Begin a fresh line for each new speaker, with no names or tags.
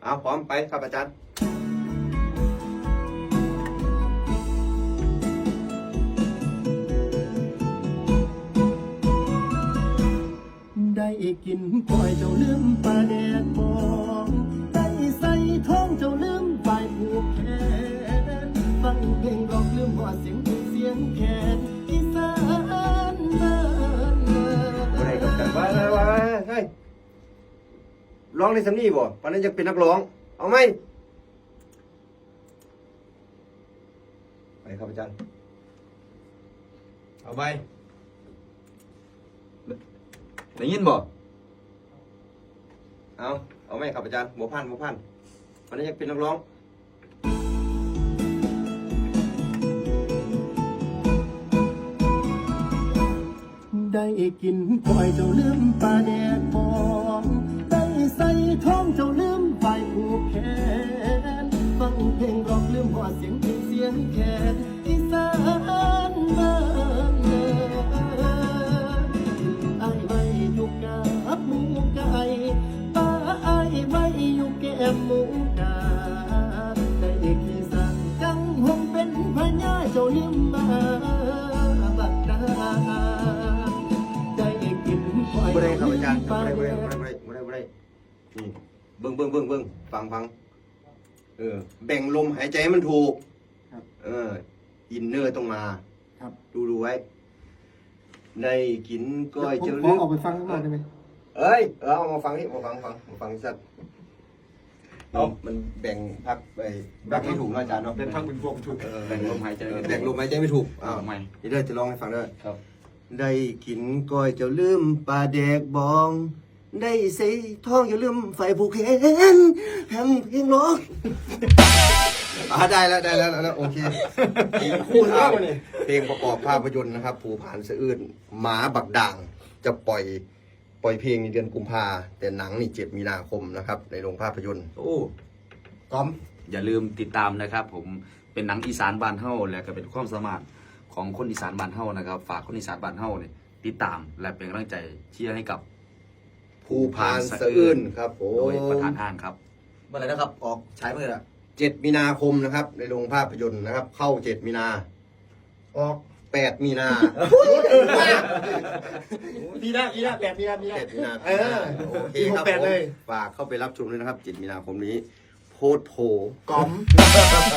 เอาพร้อมไปครับอาจารย์
ได้กินก้อยเจ้าลืมปลาแดกบองได้ใส่ท้องเจ้าลืมใบผูกแขนฟังเพลงร้องลืมหัวเสียงเสียงแขนอีสานบ้านเมือง
อะไรกับกันว่าเฮ้ยร้องในสำนีบ่ปานนั้นยังเป็นนักร้องเอาไหมไปครับอาจารย์
เอาไปได้ยินบ่
เอาไหมครับอาจารย์บัวพันธุ์ปานนั้นยังเป็นนักร้อง
ได้กินก้อยเจ้าลืมปลาแดกบองได้ใส่ท้องเจ้าลืมใบผูกแขนฟังเพลงร้องลืมหัวเสียงเสียงแขนอีสานบ้านเมืองไอ้ไว้อยู่กับหมูไก่ป้าไอ้ไว้อยู่แก้มหมูกาได้ขี้สั่งจังหงเป็นพญาเจ้าลืมมาบักดาได้กินก้อย
บ่ได้ครับอาจารย์
ปลา
บ่
แด
ได้
ก
นี่เบิ่งฟังแบ่งลมหายใจให้มันถูก
ครับ
อินเนอร์ต้องมา
ครับ
ดูไว้ได้กินก้อย
ผม
เจ้า
ข
ลื
อ
ม
ออกไปฟังข้างนอกได้ไหม
เอามาฟังนี่มาฟังสัตว์มันแบ่งพักไปแบ่งไม่ถูกนะอาจารย์เนาะ
เป็นพักเป็นพวกถูกแบ่งลมหายใจ
แบ่งลมหายใจไม่ถูก
เอาใหม่
นี่เด้อจะลองให้ฟังเด้อ
ครับ
ได้กินก้อยเจ้าลืมปลาแดกบอง ได้ใส่ท้องอย่าลืมไฟผูกแขนแฮมเพียงร้องได้แล้วโอเคคู่ภาพเพลงประกอบภาพยนตร์นะครับภูผานสะอื้นหมาบักด่างจะปล่อยเพลงในเดือนกุมภาแต่หนังนี่7 มีนาคมนะครับในโรงภาพยนตร์
โอ้
ก้อม
อย่าลืมติดตามนะครับ ผมเป็นหนังอีสานบ้านเฮาและก็เป็นความสามารถของคนอีสานบ้านเฮานะครับ ฝากคนอีสานบ้านเฮาเนี่ยติดตามและเป็นกำลังใจเชียร์ให้กับ
ภูผานสะอื้นครับผ
โดยประ
ม
ธานห้างครับ
เมื่อไหร่นะครับ ออกฉายเมื่อไหร่ล่ะ
7 มีนาคมนะครับในโรงภาพยนตร์นะครับ เข้า 7 มีนาออก8 มีนา
ปีหน้า8 มีนา
7 มีนาโอเคครับ
ปี68เลย
ฝากเข้าไปรับชมด้วยนะครับ 7 มีนาคมนี้ โพสต์โผ
กอม